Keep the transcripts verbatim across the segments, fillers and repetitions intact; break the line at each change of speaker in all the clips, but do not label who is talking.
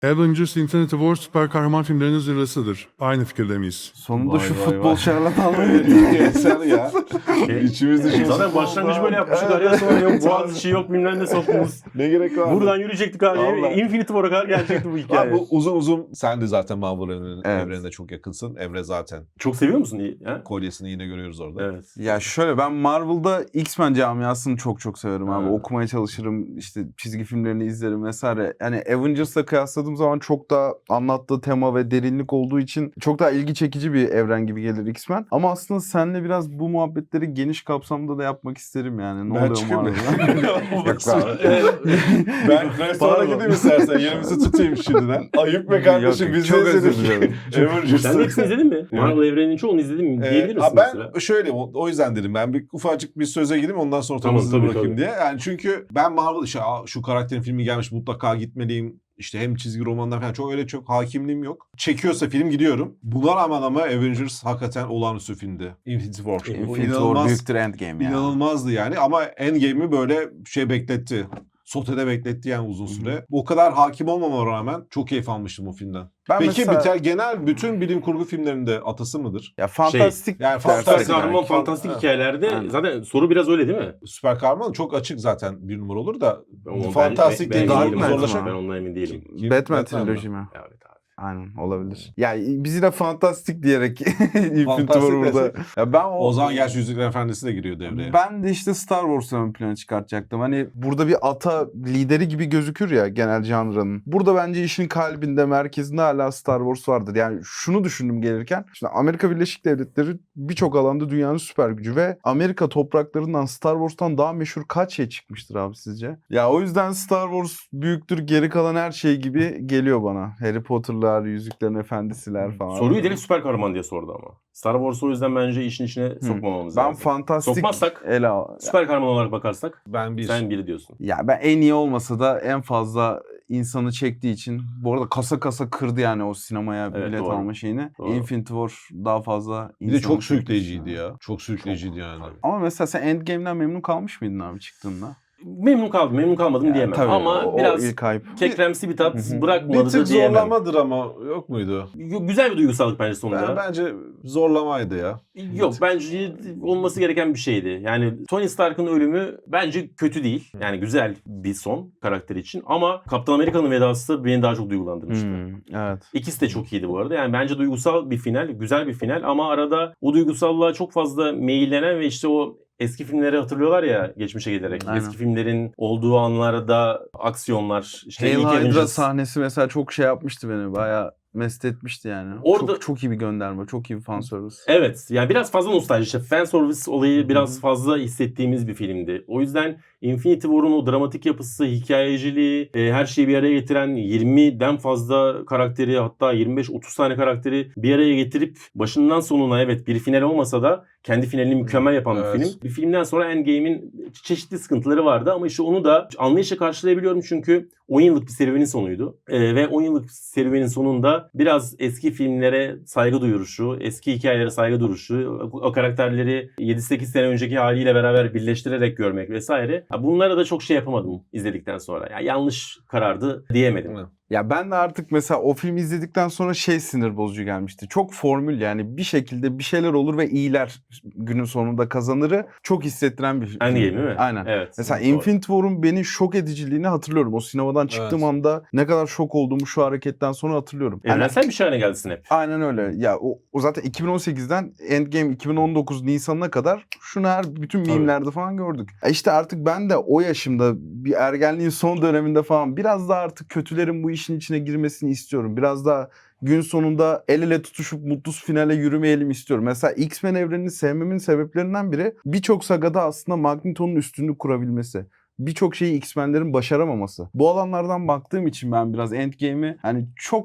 Avengers Infinity War süper kahraman filmlerinin zirvesidir. Aynı fikirde miyiz?
Sonunda
Vay
şu
vay
futbol
vay.
şarlatanlığı
Sen ya. İçimiz dışımız.
Zaten başlangıcı böyle yapmıştık.
Evet.
Araya sonra yok Boğaziçi yok bilmem ne soktunuz.
Ne gerek var?
Buradan yürüyecektik abi.
Vallahi.
Infinity War'a kadar gelecekti bu hikaye.
Abi bu uzun uzun sen de zaten Marvel evrenine,
Evet.
evrenine çok yakınsın. Emre zaten
Çok seviyor musun? İyi, ha?
kolyesini yine görüyoruz orada.
Evet.
Ya şöyle, ben Marvel'da X-Men camiasını çok çok severim abi.
Ha.
Okumaya çalışırım, işte çizgi filmlerini izlerim vesaire. Yani Avengers'la kıyasladığım zaman çok daha anlattığı tema ve derinlik olduğu için çok daha ilgi çekici bir evren gibi gelir X-Men. Ama aslında seninle biraz bu muhabbetleri geniş kapsamda da yapmak isterim yani. Ne
Ben
oluyor
çıkayım mı?
Marvel'da? Yok abi.
Ben restorana
Pardon.
gideyim istersen. Yerimizi tutayım şimdiden. Ayıp be kardeşim.
Yok,
Biz
çok
de
özür
izledik.
dilerim.
Sen de hepsini izledin mi? Marvel evreninin çoğunu izledin mi?
Ee,
Diyebilir
ha,
misin mesela?
ben şöyle o, o yüzden dedim ben bir ufacık bir söze gireyim ondan sonra
Tamam,
tamam,
tabii,
bırakayım
tabii.
diye. Yani çünkü ben Marvel işte "Aa, şu karakterin filmi gelmiş mutlaka gitmeliyim. İşte hem çizgi romanlar falan çok öyle çok hakimliğim yok. Çekiyorsa film gidiyorum. Buna rağmen ama Avengers hakikaten olağanüstü filmdi. Infinity War. Bu
Infinity War
inanılmaz,
büyüktür Endgame yani.
inanılmazdı yani ama Endgame'i böyle şey bekletti. Sotede bekletti yani uzun süre. O kadar hakim olmama rağmen çok keyif almıştım o filmden.
Ben
Peki
mesela-
biter genel bütün bilim kurgu filmlerinde atası mıdır?
Ya fantastik
yani
dersek
fantastik
Süper
yani.
kahraman
yani.
fantastik
Evet.
hikayelerde
Aynen.
zaten soru biraz öyle değil mi?
Süper kahraman çok açık zaten bir numara olur da
Ama
fantastik
ben, ben,
dediğin
ben,
Dark
değilim
Knight
zorlaşan.
mı?
Ben ondan emin değilim.
Kim?
Batman
Batman mı?
triloji mi?
Evet abi.
Aynen, olabilir. Ya bizi de fantastik diyerek Infinity
Fantastik
War burada.
desek.
Ya ben o,
O zaman gerçi Yüzüklerin Efendisi de giriyor devreye.
Ben de işte Star Wars'u ön plana çıkartacaktım. Hani burada bir ata lideri gibi gözükür ya genel janrının. Burada bence işin kalbinde, merkezinde hala Star Wars vardır. Yani şunu düşündüm gelirken. Şimdi Amerika Birleşik Devletleri birçok alanda dünyanın süper gücü ve Amerika topraklarından Star Wars'tan daha meşhur kaç şey çıkmıştır abi sizce? Ya o yüzden Star Wars büyüktür, geri kalan her şey gibi geliyor bana. Harry Potter'lar, Yüzüklerin Efendisi'ler falan.
Soruyu direkt süper kahraman diye sordu ama. Star Wars o yüzden bence işin içine sokmamamız
Ben
lazım.
fantastik
Sokmazsak
ele al.
süper kahraman olarak bakarsak
Ben bir
sen biri diyorsun.
Ya ben en iyi olmasa da en fazla insanı çektiği için, bu arada kasa kasa kırdı yani o sinemaya
Evet,
bilet
doğru.
alma şeyini.
Doğru.
Infinity War daha fazla
bir de
insanı
çok sürükleyiciydi
çekti.
ya. Çok sürükleyiciydi yani.
Ama mesela sen Endgame'den memnun kalmış mıydın abi çıktığında?
Memnun kaldım, memnun kalmadım diyemem.
Tabii,
Ama
o,
biraz
o ilk hype.
kekremsi bir tat
Hı hı.
bırakmadı
Bir tık
da diyemem.
zorlamadır ama yok muydu?
Yo- Güzel bir duygusallık bence sonunda.
Ben, bence zorlamaydı ya.
Yok, bence olması gereken bir şeydi. Yani Tony Stark'ın ölümü bence kötü değil. Yani güzel bir son karakter için. Ama Kaptan Amerika'nın vedası beni daha çok duygulandırmıştı.
Hmm, evet.
İkisi de çok iyiydi bu arada. Yani bence duygusal bir final, güzel bir final ama arada o duygusallığa çok fazla meyillenen ve işte o eski filmleri hatırlıyorlar ya geçmişe giderek.
Aynen.
Eski filmlerin olduğu anlarda aksiyonlar, işte
Hail
ilk
Hydra
Avengers.
sahnesi mesela çok şey yapmıştı beni. Bayağı mest etmişti yani.
Orada-
Çok, çok iyi bir gönderme. Çok iyi bir fanservice.
Evet, yani biraz fazla nostalji. İşte fan service olayı biraz
Hı.
fazla hissettiğimiz bir filmdi. O yüzden Infinity War'un o dramatik yapısı, hikayeciliği, e, her şeyi bir araya getiren yirmiden fazla karakteri, hatta yirmi beş otuz tane karakteri bir araya getirip başından sonuna, evet bir final olmasa da kendi finalini mükemmel yapan
Evet.
bir film. Bir filmden sonra Endgame'in çeşitli sıkıntıları vardı ama işte onu da anlayışla karşılayabiliyorum çünkü on yıllık bir serüvenin sonuydu. E, ve on yıllık serüvenin sonunda biraz eski filmlere saygı duyuruşu, eski hikayelere saygı duruşu, o, o karakterleri yedi sekiz sene önceki haliyle beraber birleştirerek görmek vesaire. Ha, bunlara da çok şey yapamadım izledikten sonra. Ya yanlış karardı diyemedim.
Hı.
Ya ben de artık mesela o filmi izledikten sonra şey sinir bozucu gelmişti. Çok formül yani bir şekilde bir şeyler olur ve iyiler günün sonunda kazanırı çok hissettiren bir film.
Endgame değil mi?
Aynen.
Evet.
Mesela
Doğru.
Infinity War'un beni şok ediciliğini hatırlıyorum. O sinemadan çıktığım
Evet.
anda ne kadar şok olduğumu şu hareketten sonra hatırlıyorum. Hani-
Evrensel bir şey haline geldi Snap.
Aynen öyle. Ya o, o zaten iki bin on sekizden Endgame iki bin on dokuz Nisan'ına kadar şunu her bütün
Tabii.
mimlerde falan gördük. E işte artık ben de o yaşımda bir ergenliğin son döneminde falan biraz daha artık kötülerin bu işin içine girmesini istiyorum. Biraz daha gün sonunda el ele tutuşup mutlu finale yürümeyelim istiyorum. Mesela X-Men evrenini sevmemin sebeplerinden biri birçok sagada aslında Magneto'nun üstünlük kurabilmesi. Birçok şeyi X-Men'lerin başaramaması. Bu alanlardan baktığım için ben biraz Endgame'i hani çok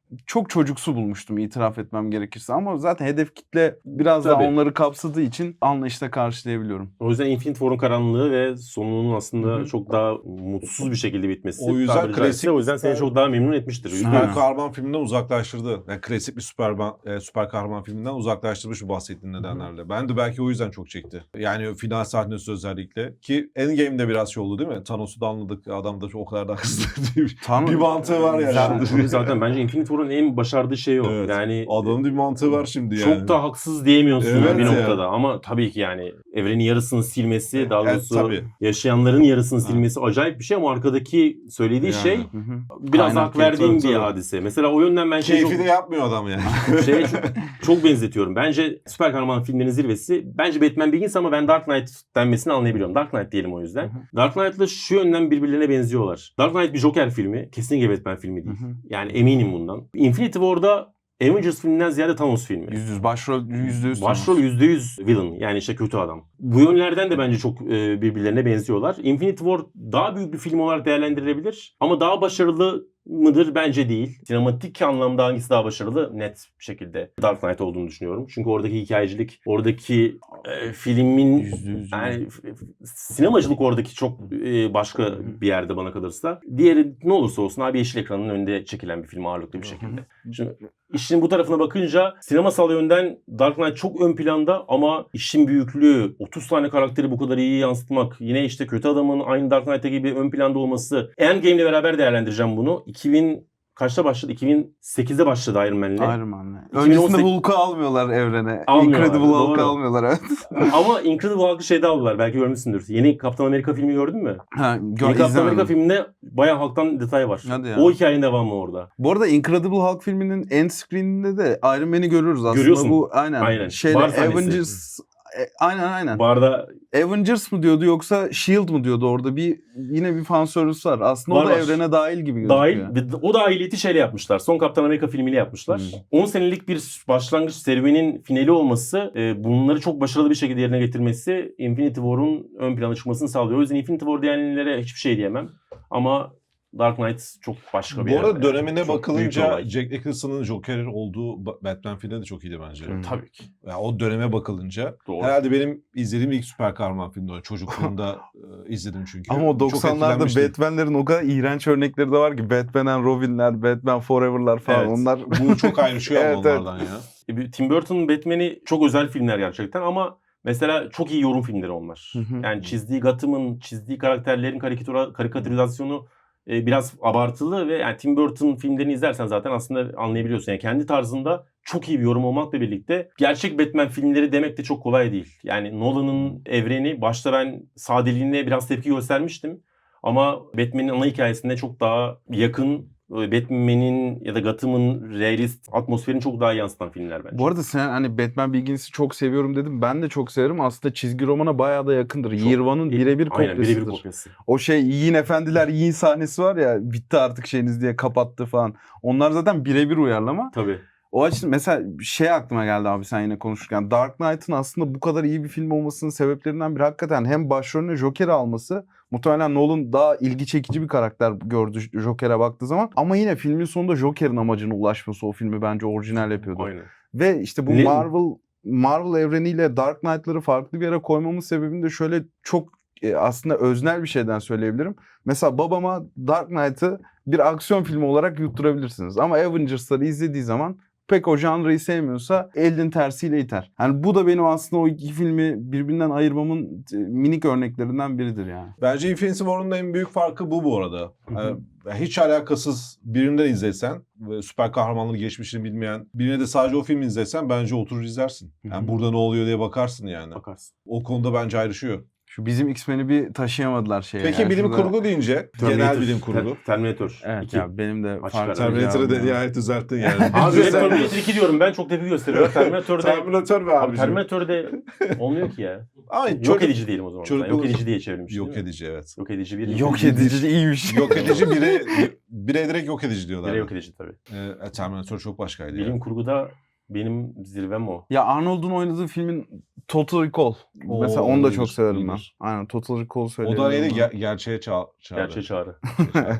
çok çocuksu bulmuştum itiraf etmem gerekirse. Ama zaten hedef kitle biraz
Tabii.
daha onları kapsadığı için anlayışla karşılayabiliyorum.
O yüzden Infinity War'un karanlığı ve sonunun aslında
Hı hı.
çok daha mutsuz bir şekilde bitmesi.
O yüzden
tabiri caizse,
klasik-
o yüzden seni çok daha memnun etmiştir.
Süper.
Süper
Ha.
kahraman filminden uzaklaştırdı. Yani klasik bir süper, e, süper kahraman filminden uzaklaştırmış bu bahsettiğin nedenlerle. Ben de belki o yüzden çok çekti. Yani final sahnesi özellikle. Ki Endgame'de biraz şey oldu değil mi? Thanos'u da anladık. Adam da o kadar da hızlı değil.
Tam
Bir mantığı var yani.
Zaten-
Tabii zaten bence Infinity War'un en başardığı şey o.
Evet.
Yani
Adamın bir mantığı var şimdi yani.
çok da haksız diyemiyorsun
Evet
bir
ya.
noktada. Ama tabii ki yani evrenin yarısını silmesi, daha
Evet,
doğrusu
tabii.
yaşayanların yarısını silmesi acayip bir şey ama arkadaki söylediği
Yani.
şey
Hı hı.
biraz
Kaynak
hak verdiğim
tabii,
bir
tabii.
hadise. Mesela o yönden ben şey çok,
Keyfi de yapmıyor adam yani.
şeye çok, çok benzetiyorum. Bence süper kahraman filmlerinin zirvesi bence Batman Begins ama ben Dark Knight denmesini anlayabiliyorum. Dark Knight diyelim o yüzden.
Hı hı.
Dark Knight'la şu yönden birbirlerine benziyorlar. Dark Knight bir Joker filmi. Kesinlikle Batman filmi değil.
Hı hı.
Yani eminim bundan. Infinity War'da Avengers filminden ziyade Thanos filmi.
Yüz yüz başrol yüzde yüz.
Başrol yüzde yüz villain, yani işte kötü adam. Bu yönlerden de bence çok e, birbirlerine benziyorlar. Infinity War daha büyük bir film olarak değerlendirilebilir ama daha başarılı mıdır? Bence değil. Sinematik anlamda hangisi daha başarılı? Net bir şekilde Dark Knight olduğunu düşünüyorum. Çünkü oradaki hikayecilik, oradaki e, filmin
Yüzde yüz.
yani f- f- sinemacılık oradaki çok e, başka bir yerde bana kalırsa. Diğeri ne olursa olsun abi yeşil ekranın önünde çekilen bir film ağırlıklı bir şekilde. Şimdi işin bu tarafına bakınca sinemasal yönden Dark Knight çok ön planda ama işin büyüklüğü, otuz tane karakteri bu kadar iyi yansıtmak, yine işte kötü adamın aynı Dark Knight'ta gibi ön planda olması. Endgame'le beraber değerlendireceğim bunu. iki bin kaçta başladı? iki bin sekizde başladı Iron Man'le.
Iron Man'le.
iki bin on
Öncesinde
sekiz
Hulk'u almıyorlar evrene.
Almıyorlar,
Incredible Hulk'u
doğru.
almıyorlar evet.
Ama Incredible Hulk'ı şeyde aldılar. Belki görmüşsündür. Yeni Kaptan Amerika filmi gördün mü?
Ha, gör,
Yeni Kaptan Amerika
izlemedim.
filminde bayağı halktan detay var.
Hadi ya.
O hikayenin devamı orada.
Bu arada Incredible Hulk filminin end screen'inde de Iron Man'i görüyoruz aslında.
Görüyorsun.
Bu aynen.
Aynen.
Şeyle
Bar sahnesi.
Avengers e, aynen aynen.
Barda
Avengers mı diyordu yoksa Shield mı diyordu orada bir yine bir fan servisi var. Aslında
Var,
o da
var.
evrene dahil gibi gözüküyor.
dahil ve o dahiliyeti şeyle yapmışlar. Son Kaptan Amerika filmiyle yapmışlar.
Hmm.
on senelik bir başlangıç serüvenin finali olması, e, bunları çok başarılı bir şekilde yerine getirmesi Infinity War'un ön plana çıkmasını sağlıyor. O yüzden Infinity War diyenlere hiçbir şey diyemem. Ama Dark Knight çok başka bir
Bu arada
yerde.
dönemine
Çok büyük bir
bakılınca
olay.
Jack Nicholson'ın Joker olduğu Ba- Batman filmi de çok iyiydi bence.
Hmm.
Tabii ki.
Yani o döneme bakılınca
Doğru.
herhalde benim izlediğim ilk süper kahraman filmdi o. Çocukluğumda e, izledim çünkü.
Ama o
Çok
doksanlarda
etkilenmiştim.
Batman'lerin o kadar iğrenç örnekleri de var ki Batman and Robin'ler, Batman Forever'lar falan
Evet.
onlar
Bu çok ayrışıyor ama
Evet, evet.
onlardan ya.
E, bir- Tim Burton'un Batman'i çok özel filmler gerçekten ama mesela çok iyi yorum filmleri onlar.
Hı hı.
Yani çizdiği Gotham'ın, çizdiği karakterlerin karikatüra, karikatürizasyonu e, biraz abartılı ve yani Tim Burton filmlerini izlersen zaten aslında anlayabiliyorsun. Yani kendi tarzında çok iyi bir yorum olmakla birlikte gerçek Batman filmleri demek de çok kolay değil. Yani Nolan'ın evreni başta ben sadeliğine biraz tepki göstermiştim. Ama Batman'in ana hikayesinde çok daha yakın, Batman'in ya da Gotham'ın realist atmosferini çok daha yansıtan filmler bence.
Bu arada sen hani Batman Begins'i çok seviyorum dedim. Ben de çok severim. Aslında çizgi romana bayağı da yakındır.
Çok-
Year One'ın birebir
Aynen
kopyasıdır.
birebir kopyası.
O şey yiyin efendiler yiyin sahnesi var ya bitti artık şeyiniz diye kapattı falan. Onlar zaten birebir uyarlama.
Tabii.
O açıdan mesela şey aklıma geldi abi sen yine konuşurken. Dark Knight'ın aslında bu kadar iyi bir film olmasının sebeplerinden biri hakikaten hem başrolüne Joker'i alması. Muhtemelen Nolan daha ilgi çekici bir karakter gördü Joker'e baktığı zaman. Ama yine filmin sonunda Joker'in amacına ulaşması o filmi bence orijinal yapıyordu.
Aynen.
Ve işte bu
Ne-
Marvel Marvel evreniyle Dark Knight'ları farklı bir yere koymamın sebebini de şöyle çok e, aslında öznel bir şeyden söyleyebilirim. Mesela babama Dark Knight'ı bir aksiyon filmi olarak yutturabilirsiniz. Ama Avengers'ları izlediği zaman pek o janrayı sevmiyorsa elin tersiyle iter. Yani bu da benim aslında o iki filmi birbirinden ayırmamın e, minik örneklerinden biridir yani.
Bence Infinity War'un en büyük farkı bu bu arada.
Hı hı.
Ee, hiç alakasız birinden izlesen ve süper kahramanlığı geçmişini bilmeyen birine de sadece o filmi izlesen bence oturur izlersin. Yani
Hı hı.
burada ne oluyor diye bakarsın yani.
Bakarsın.
O konuda bence ayrışıyor.
Şu bizim X-Men'i bir taşıyamadılar şeye.
Peki
yani.
bilim
Şurada-
kurgu deyince genel
Terminator.
bilim kurgu.
Ter- Terminator.
Evet
iki.
ya benim de
Açık
farklı
ara.
Terminator'ı da
cevabım var.
nihayet düzelttin yani.
Abi
Güzel.
hep Terminator iki diyorum ben çok tepki gösteriyorum. Terminator'da
Terminator be
abi
abicim.
Terminator'de olmuyor ki ya.
Ama
Yok
çocuk-
edici diyelim o zaman.
çocuk-
Yok edici diye çevrilmiş.
Yok
değil mi?
edici evet.
Yok edici bir.
Yok edici de iyiymiş.
Yok edici bire, bire direkt yok edici diyorlar.
Biri yok edici tabii.
Ee, Terminator çok başkaydı
Bilim
ya.
kurguda benim zirvem o.
Ya Arnold'un oynadığı filmin Total Recall.
Oo,
Mesela onu da
iyidir,
çok severim ben.
iyidir.
Aynen Total Recall
O
söyleyebilirim.
da neydi?
ben.
Ger- gerçeğe ça- çağırdı.
Gerçeğe çağrı.
Evet.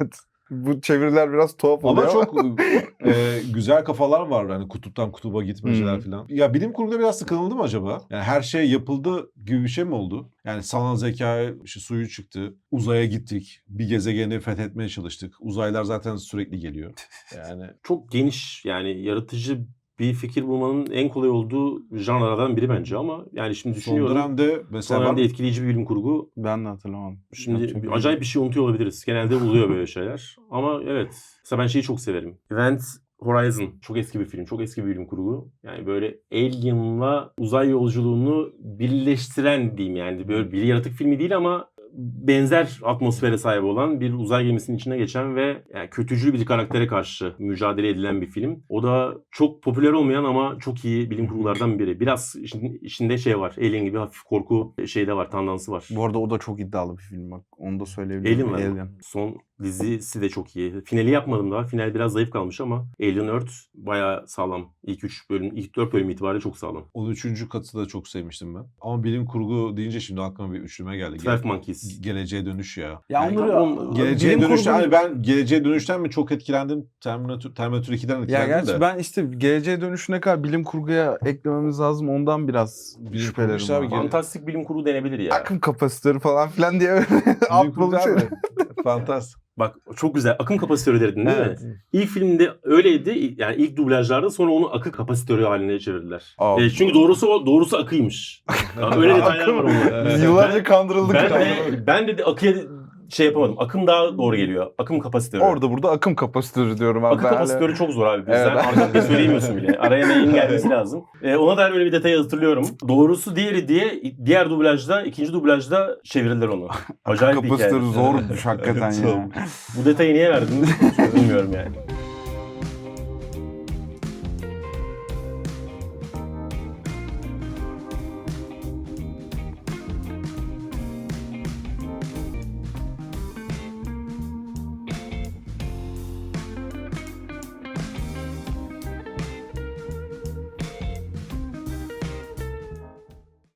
Bu çeviriler biraz tuhaf oluyor
Ama
ama.
çok e, güzel kafalar var. Hani kutuptan kutuba gitmeceler
Hmm.
falan. Ya bilim kurguda biraz sıkıldı mı acaba? Yani her şey yapıldı gibi bir şey mi oldu? Yani sanal zeka işte suyu çıktı. Uzaya gittik. Bir gezegeni fethetmeye çalıştık. Uzaylılar zaten sürekli geliyor. Yani
Çok geniş, yani yaratıcı bir fikir bulmanın en kolay olduğu janralardan biri bence ama yani şimdi
son
düşünüyorum.
dönemde
Son
mesela var
dönemde
mı?
etkileyici bir bilim kurgu.
Ben de hatırlamadım.
Şimdi
Yapacak bir
acayip bir şey unutuyor olabiliriz. Genelde oluyor böyle şeyler. Ama evet. Mesela ben şeyi çok severim. Event Horizon. Çok eski bir film. Çok eski bir bilim kurgu. Yani böyle Alien'la uzay yolculuğunu birleştiren diyeyim yani. Böyle bir yaratık filmi değil ama benzer atmosfere sahip olan bir uzay gemisinin içine geçen ve yani kötücül bir karaktere karşı mücadele edilen bir film. O da çok popüler olmayan ama çok iyi bilim kurgulardan biri. Biraz işin, içinde şey var. Alien gibi hafif korku şey de var, tandansı var.
Bu arada o da çok iddialı bir film bak. Onu da söyleyebilirim.
Alien var. Son dizisi de çok iyi. Finali yapmadım daha. Final biraz zayıf kalmış ama Alien Earth bayağı sağlam. İlk üç bölüm, ilk dört bölüm itibariyle çok sağlam.
on üçüncü katı da çok sevmiştim ben. Ama bilim kurgu deyince şimdi aklıma bir üçlüme geldi.
Twelve
Ge-
Monkeys.
Geleceğe dönüş ya.
Ya
Yani
onları
tam-
Geleceğe
bilim
dönüşten
kurgu-
hani ben geleceğe dönüşten mi çok etkilendim? Terminator, Terminator iki'den
Ya
etkilendim
gerçi
de.
ben işte geleceğe dönüşüne kadar bilim kurguya eklememiz lazım. Ondan biraz
Bilim kurgu
şüphelerim
işte abi,
var.
gel-
Fantastik bilim kurgu denebilir ya.
Akım kapasitörü falan filan diye
Bilim
alt
kurgu
bulu şey.
abi. Fantastik.
Bak çok güzel. Akım kapasitörü dedin değil
Evet.
mi? İlk filmde öyleydi. Yani ilk dublajlarda sonra onu akı kapasitörü haline çevirdiler.
Aa.
E, çünkü doğrusu o- doğrusu akıymış. Ya öyle detaylar var onda.
Biz
Evet.
yıllarca
Ben-
kandırıldık.
Ben de, ben de akıya şey yapamadım. Akım daha doğru geliyor. Akım kapasitörü.
Orada burada akım kapasitörü diyorum abi.
Akı
Ben
kapasitörü
hala-
çok zor abi. Bizden
Evet.
arkada söyleyemiyorsun bile. Araya neyin gelmesi lazım. Ee, ona dair böyle bir detayı hatırlıyorum. Doğrusu diğeri diye diğer dublajda, ikinci dublajda çevirdiler onu.
Akım
Acayip bir hikaye.
kapasitörü zormuş hakikaten
Evet,
ya.
zor.
Bu detayı niye verdin? Bilmiyorum yani.